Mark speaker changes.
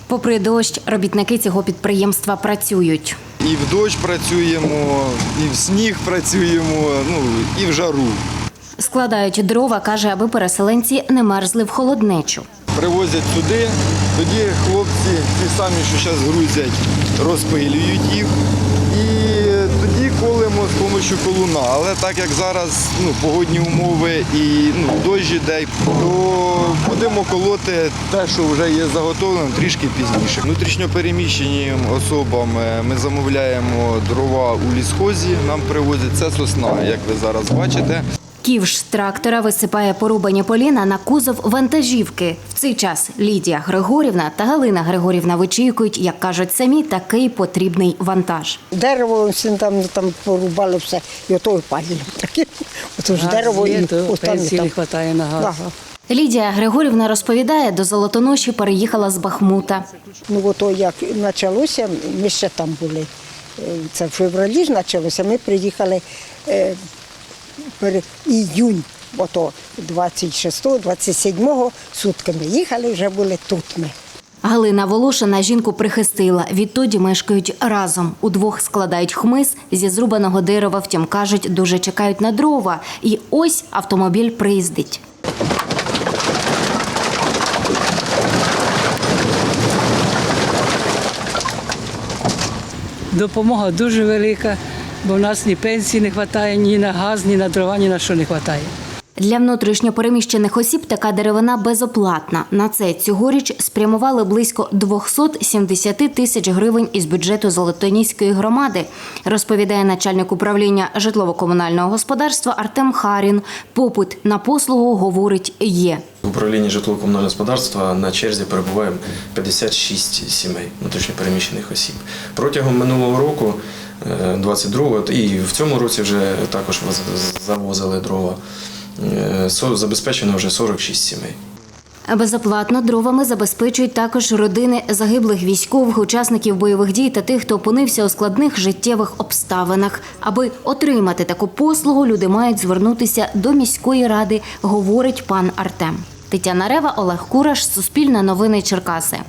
Speaker 1: Попри дощ, робітники цього підприємства працюють.
Speaker 2: І в дощ працюємо, і в сніг працюємо, і в жару.
Speaker 1: Складають дрова, каже, аби переселенці не мерзли в холоднечу.
Speaker 2: Привозять сюди, тоді хлопці, ті самі, що зараз грузять, розпилюють їх. І тоді колемо з допомогою колуна. Але так як зараз погодні умови і дощ іде, то будемо колоти те, що вже є заготовлено, трішки пізніше. Внутрішньопереміщеним особам ми замовляємо дрова у лісхозі, нам привозять. Це сосна, як ви зараз бачите.
Speaker 1: Ківш трактора висипає порубані поліна на кузов вантажівки. В цей час Лідія Григорівна та Галина Григорівна вичікують, як кажуть самі, такий потрібний вантаж.
Speaker 3: Дерево всі там порубали все, і ото і палили. Ото ж дерево і
Speaker 4: пенсії не вистачає на газ.
Speaker 1: Лідія Григорівна розповідає, до Золотоноші переїхала з Бахмута.
Speaker 3: Ото як почалося, ми ще там були. Це в февралі ж почалося, ми приїхали іюнь, ото 26-27 сутками їхали, вже були тут ми.
Speaker 1: Галина Волошина жінку прихистила. Відтоді мешкають разом. Удвох складають хмиз зі зрубаного дерева, втім, кажуть, дуже чекають на дрова. І ось автомобіль приїздить.
Speaker 4: Допомога дуже велика, бо в нас ні пенсії не вистачає, ні на газ, ні на дрова, ні на що не вистачає.
Speaker 1: Для внутрішньопереміщених осіб така деревина безоплатна. На це цьогоріч спрямували близько 270 тисяч гривень із бюджету Золотоніської громади, розповідає начальник управління житлово-комунального господарства Артем Харін. Попит на послугу, говорить, є.
Speaker 5: В управлінні житлово-комунального господарства на черзі перебуває 56 сімей внутрішньопереміщених осіб. Протягом минулого року, 22-го, і в цьому році вже також завозили дрова, забезпечено вже 46 сімей.
Speaker 1: Безоплатно дровами забезпечують також родини загиблих військових, учасників бойових дій та тих, хто опинився у складних життєвих обставинах. Аби отримати таку послугу, люди мають звернутися до міської ради, говорить пан Артем. Тетяна Рева, Олег Кураш, Суспільне новини Черкаси.